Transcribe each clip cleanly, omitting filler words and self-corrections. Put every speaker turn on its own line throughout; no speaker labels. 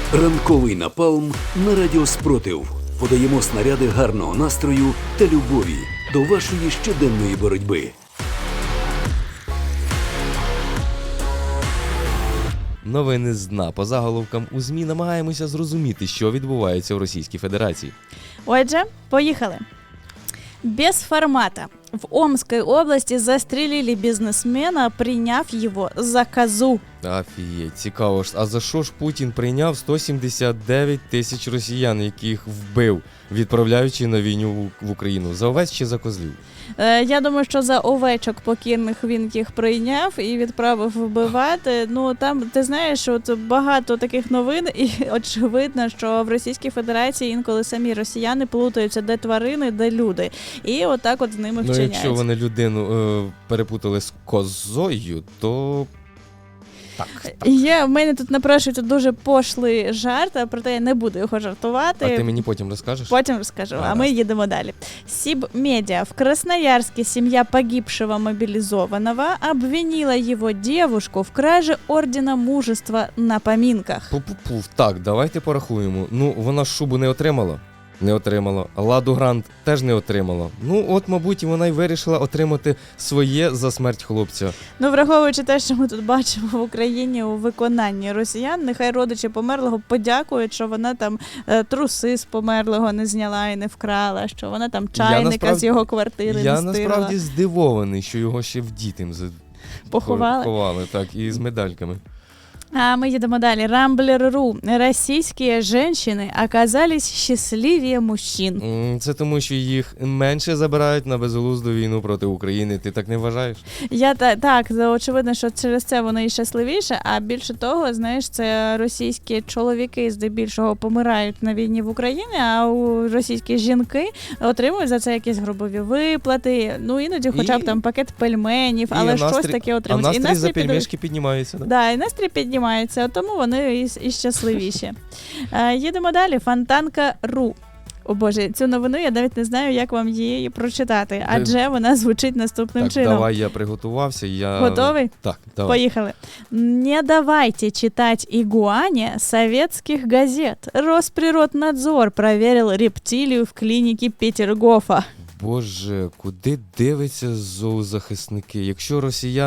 Ранковий напалм на Радіо Спротив. Подаємо снаряди гарного настрою та любові до вашої щоденної боротьби.
Новини з дна. По заголовкам у ЗМІ намагаємося зрозуміти, що відбувається в Російській Федерації.
Отже, поїхали. Без формата. В Омской области застрелили бизнесмена, приняв его за козу.
Офігеть, цікаво ж. А за що ж Путін прийняв 179 тисяч росіян, яких вбив, відправляючи на війну в Україну? За овець чи за козлів?
Я думаю, що за овечок покірних він їх прийняв і відправив вбивати. Ну, там, ти знаєш, от багато таких новин, і очевидно, що в Російській Федерації інколи самі росіяни плутаються, де тварини, де люди. І отак от з ними вчиняють.
Ну, якщо вони людину перепутали з козою, то... Так.
В мене тут напрошується дуже пошлий жарт, а проте я не буду його жартувати.
А ти мені потім розкажеш?
Потім розкажу, а ми їдемо далі. Сибмедиа. В Красноярске семья погибшего мобилизованного обвинила его девушку в краже ордена мужества на поминках.
Пу-пу-пу. Так, давайте порахуємо. Ну, вона ж шубу не отримала? Не отримала. Ладу Грант теж не отримала. Ну, от, мабуть, вона й вирішила отримати своє за смерть хлопця.
Ну, враховуючи те, що ми тут бачимо в Україні у виконанні росіян, нехай родичі померлого подякують, що вона там труси з померлого не зняла і не вкрала, що вона там чайника з його квартири не стирила.
Я насправді здивований, що його ще в дітям поховали, так, і з медальками.
А мы едем далее. Рамблер.ру. Российские женщины оказались счастливее мужчин.
Це тому, що їх менше забирають на безглузду війну проти України. Ти так не вважаєш?
Так, очевидно, що через це вони і щасливіше, а більше того, знаєш, це російські чоловіки здебільшого помирають на війні в Україні, а російські жінки отримують за це якісь гробові виплати, ну іноді хоча б там пакет пельменів, але щось таке отримують.
А настрій за пельмешки піднімається, так?
Да, і настрій піднімається, тому вони і щасливіші. Їдемо далі. Фонтанка.ру. О Боже, цю новину я навіть не знаю, як вам її прочитати, адже вона звучить наступним чином.
Давай, я приготувався.
Готовий?
Так, давай.
Поїхали. Не давайте читать игуане советских газет. Росприроднадзор проверил рептилию в клинике Петергофа.
Боже, куди дивляться зоозахисники? Якщо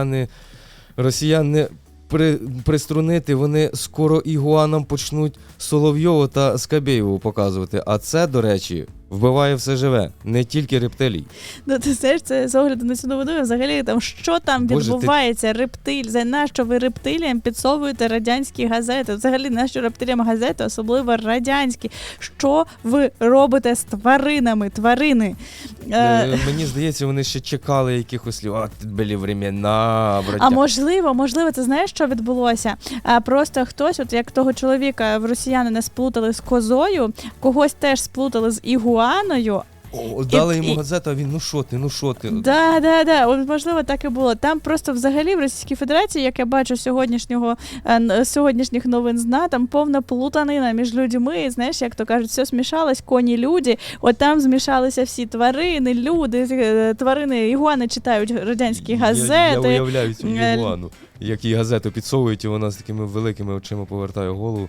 росіяни приструнити, вони скоро ігуанам почнуть Соловйову та Скабєєву показувати. А це, до речі, вбиває все живе, не тільки рептилій.
Ну, ти знаєш, це з огляду на цю новину, взагалі, там, що там відбувається, За нащо ви рептиліям підсовуєте радянські газети? Взагалі, нащо рептиліям газети, особливо радянські? Що ви робите з тваринами, тварини?
Мені здається, вони ще чекали якихось слів. Були времена, браття.
А можливо, ти знаєш, що відбулося? Просто хтось, от як того чоловіка в росіянина сплутали з козою, когось теж сплутали з ігуаною.
Дали йому газету, а він, ну що ти?
Да. От, можливо, так і було. Там просто взагалі в Російській Федерації, як я бачу сьогоднішніх новин з дна, там повна плутанина між людьми. Знаєш, як то кажуть, все смішалось, коні, люди. От там змішалися всі тварини, люди, тварини, ігуани читають радянські газети.
Я уявляю цю ігуану, як їй газету підсовують, і вона з такими великими очима повертає голову.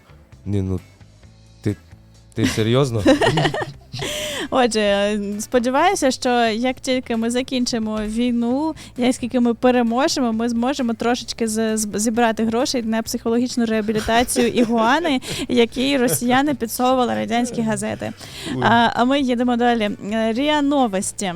Ти серйозно?
Отже, сподіваюся, що як тільки ми закінчимо війну, як тільки ми переможемо, ми зможемо трошечки зібрати грошей на психологічну реабілітацію ігуани, які росіяни підсовували радянські газети. А ми їдемо далі. РИА Новости.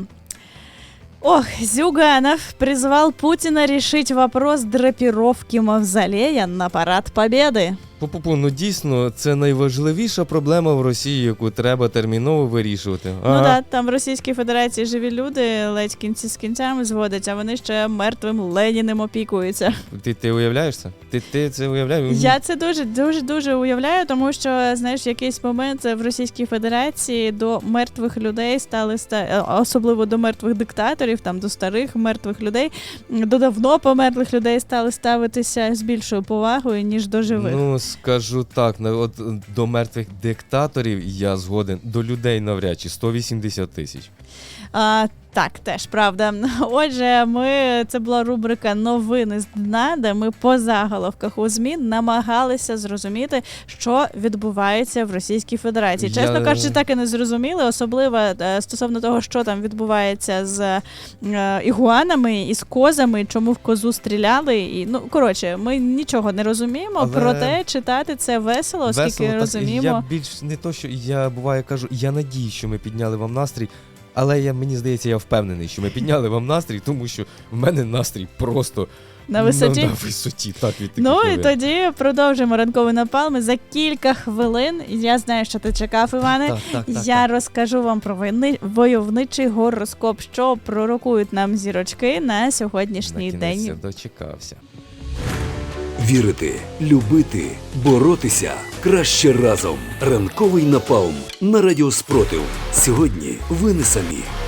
Зюганов призвал Путина решить вопрос драпировки мавзолея на Парад Победы.
Ну дійсно, це найважливіша проблема в Росії, яку треба терміново вирішувати.
Ну так, там в Російській Федерації живі люди ледь кінці з кінцями зводять, а вони ще мертвим Леніним опікуються.
Ти уявляєш це? Ти це уявляєш?
Я це дуже уявляю, тому що, знаєш, в якийсь момент в Російській Федерації до мертвих людей особливо до мертвих диктаторів, там до старих мертвих людей, до давно померлих людей стали ставитися з більшою повагою, ніж до живих.
Ну, скажу так, от до мертвих диктаторів я згоден, до людей навряд чи 180 тисяч.
Так, теж правда. Отже, це була рубрика «Новини з дна», де ми по заголовках у ЗМІ намагалися зрозуміти, що відбувається в Російській Федерації. Чесно кажучи, так і не зрозуміли, особливо стосовно того, що там відбувається з ігуанами і з козами, чому в козу стріляли. І, ми нічого не розуміємо, проте читати це весело, оскільки розуміємо.
Я більш не то, що я буває кажу, я надію, що ми підняли вам настрій, але мені здається, я впевнений, що ми підняли вам настрій, тому що в мене настрій просто
на висоті.
На висоті, так, від таких новин.
І тоді продовжимо ранковий напалм. За кілька хвилин, я знаю, що ти чекав, Іване, я розкажу вам про войовничий гороскоп, що пророкують нам зірочки на сьогоднішній день.
Я дочекався.
Вірити, любити, боротися краще разом. Ранковий напалм на Радіо Спротив. Сьогодні ви не самі.